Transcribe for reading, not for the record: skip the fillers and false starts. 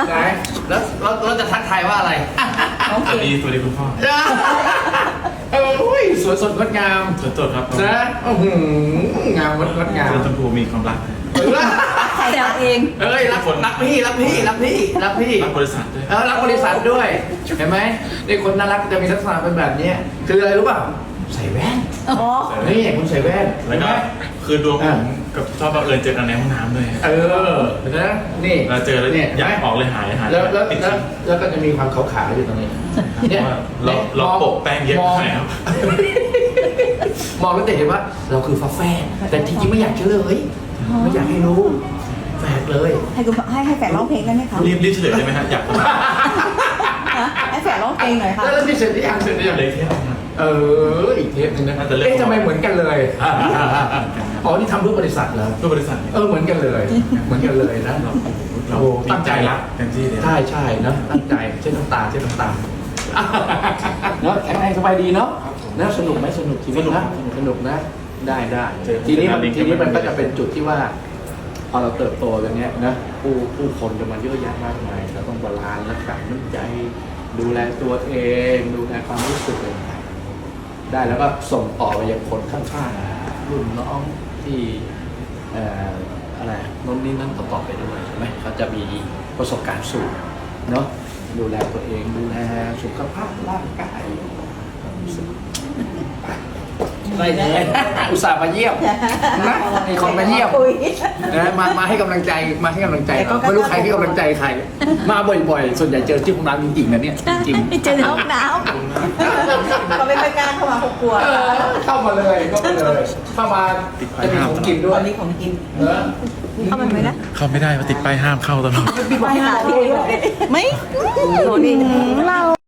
ไหนแล้วเราจะทักทายว่าอะไรสวัสดีคุณพ่อสวยสดงดงามสดๆครับนะงามงดงามเจอชมพูมีความรักใครเอาเองเอ้ยรักพี่รักพี่รักบริษัทด้วยรักบริษัทด้วยเห็นไหมนี่คนน่ารักจะมีลักษณะเป็นแบบนี้คืออะไรรู้ป่ะใส่แว่นอ๋อนี่คุณใส่แว่นแล้วก็คือดวงผมกับชอบบังเอิญเจอกันในห้องน้ำด้วยนะนี่เราเจอแล้วเนี่ยอยากออกเลยหายแล้วก็จะมีความขาวๆอยู่ตรงนี้เนี่ยเราโปะแป้งเยอะไปครับมองแล้วจะเห็นว่าเราคือฟ้าแฝดแต่จริงๆไม่อยากเฉลยไม่อยากให้รู้แฝดเลยให้คุณให้แฝดร้องเพลงได้ไหมคะรีบเฉลยได้ไหมฮะอยากฟังให้แฝดร้องเพลงหน่อยค่ะแล้วที่เสร็จที่ยังเสร็จที่ยังเลยเที่ยวครับอีกเทปนึงนะแต่เรื่องทำไมเหมือนกันเลยอ๋อนี่ทำรูปบริษัทเหรอรูปบริษัทเนี่ยเหมือนกันเลยเหมือนกันเลยนะเราตั้งใจรักเต็มที่เลยใช่นะตั้งใจเช่นน้ำตาเนาะแข็งแรงสบายดีเนาะนะสนุกไหมสนุกชีวิตนะสนุกนะได้ทีนี้มันก็จะเป็นจุดที่ว่า พอเราเติบโตอย่างเงี้ยนะผู้คนจะมาเยอะแยะมากมายเราต้องบาลานซ์รักษาน้ำใจดูแลตัวเองดูแลความรู้สึกอะไรได้แล้วก็ส่งต่อไปยังคนข้างๆรุ่นน้องที่อะไรโน้นนี่นั่นต่อไปด้วยใช่ไหมเขาจะมีประสบการณ์สูงเนาะดูแลตัวเองดูแลสุขภาพร่างกายได้เลยอุตส่าห์มาเยี่ยมนะมีคนมาเยี่ยมนะมาให้กำลังใจไม่รู้ใครให้กำลังใจใครมาบ่อยๆส่วนใหญ่เจอที่ห้องน้ำจริงๆนะเนี่ยจริงเจอในห้องน้ำเราไม่ค่อยกล้าเข้ามาเขากลัวเข้ามาเลยเข้ามาจะมีของกินด้วยวันนี้ของกินเข้ามาไหมนะเข้าไม่ได้เพราะติดป้ายห้ามเข้าตลอดไม่หาพี่ไม่โหนี่น่า